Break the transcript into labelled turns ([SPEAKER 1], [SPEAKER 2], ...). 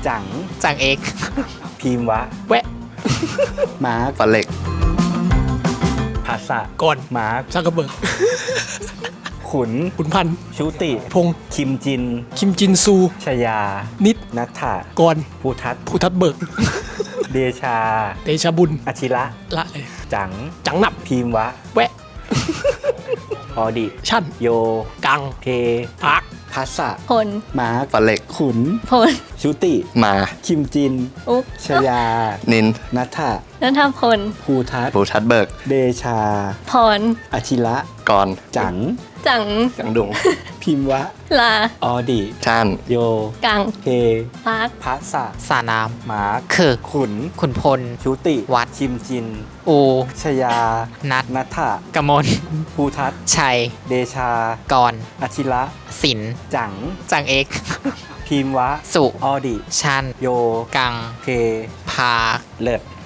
[SPEAKER 1] จัง
[SPEAKER 2] จังเอก
[SPEAKER 1] พีมวะ
[SPEAKER 2] แวะ
[SPEAKER 1] มาร์ค
[SPEAKER 3] ฟันเหล็ก
[SPEAKER 1] ภาษะ
[SPEAKER 2] ก่อน
[SPEAKER 1] มาร์ค
[SPEAKER 2] ซักกระเบิก
[SPEAKER 1] ขุน
[SPEAKER 2] ขุนพันธ์
[SPEAKER 1] ชุติ
[SPEAKER 2] พงษ์
[SPEAKER 1] คิมจิน
[SPEAKER 2] คิมจินซู
[SPEAKER 1] ชยา
[SPEAKER 2] นิด
[SPEAKER 1] นัทธะ
[SPEAKER 2] ก่อน
[SPEAKER 1] ภูทัศน์
[SPEAKER 2] ภูทับเบิก
[SPEAKER 1] เดชา
[SPEAKER 2] เดชาบุญ
[SPEAKER 1] อาชิระ
[SPEAKER 2] ละเลย
[SPEAKER 1] จัง
[SPEAKER 2] จังหนับ
[SPEAKER 1] พีมวะ
[SPEAKER 2] แวะ
[SPEAKER 1] ออดิ
[SPEAKER 2] ชั่น
[SPEAKER 1] โย
[SPEAKER 2] กัง
[SPEAKER 1] เค
[SPEAKER 2] พัก
[SPEAKER 1] ภาษะ
[SPEAKER 4] พล
[SPEAKER 1] มาร์ค
[SPEAKER 3] ฟันเหล็ก
[SPEAKER 1] ขุน
[SPEAKER 4] พล
[SPEAKER 1] ชุติ
[SPEAKER 3] มา
[SPEAKER 1] คิมจิน
[SPEAKER 4] อุ๊ก
[SPEAKER 1] ชยา
[SPEAKER 3] นิน
[SPEAKER 1] นัทธะ
[SPEAKER 4] นัทพล
[SPEAKER 1] ภูทัศน์
[SPEAKER 3] ภูทัดเบิก
[SPEAKER 1] เดชา
[SPEAKER 4] พร
[SPEAKER 1] อาชิระ
[SPEAKER 3] กร
[SPEAKER 1] จัง
[SPEAKER 4] จัง
[SPEAKER 3] จังดุง
[SPEAKER 1] พิมวะ
[SPEAKER 4] ลา
[SPEAKER 1] ออดิ
[SPEAKER 3] ชัน
[SPEAKER 1] โย
[SPEAKER 4] กัง
[SPEAKER 1] เค
[SPEAKER 4] พัก
[SPEAKER 1] ภาษะ
[SPEAKER 2] สานาม
[SPEAKER 1] มาร์ค
[SPEAKER 2] คือ
[SPEAKER 1] ขุน
[SPEAKER 2] ขุนพล
[SPEAKER 1] ชุติ
[SPEAKER 2] วัด
[SPEAKER 1] คิมจิน
[SPEAKER 2] อู
[SPEAKER 1] ชยา
[SPEAKER 2] นัด
[SPEAKER 1] นัทธะ
[SPEAKER 2] กมล
[SPEAKER 1] ภูทัศน์
[SPEAKER 2] ชัย
[SPEAKER 1] เดชา
[SPEAKER 2] กร
[SPEAKER 1] อาชิระ
[SPEAKER 2] ศิลป์
[SPEAKER 1] จัง
[SPEAKER 2] จังเอก
[SPEAKER 1] พิมวะ
[SPEAKER 2] สุ
[SPEAKER 1] ออดิ
[SPEAKER 2] ชัน
[SPEAKER 1] โย
[SPEAKER 2] กัง
[SPEAKER 1] เค
[SPEAKER 2] พา
[SPEAKER 1] เลิศ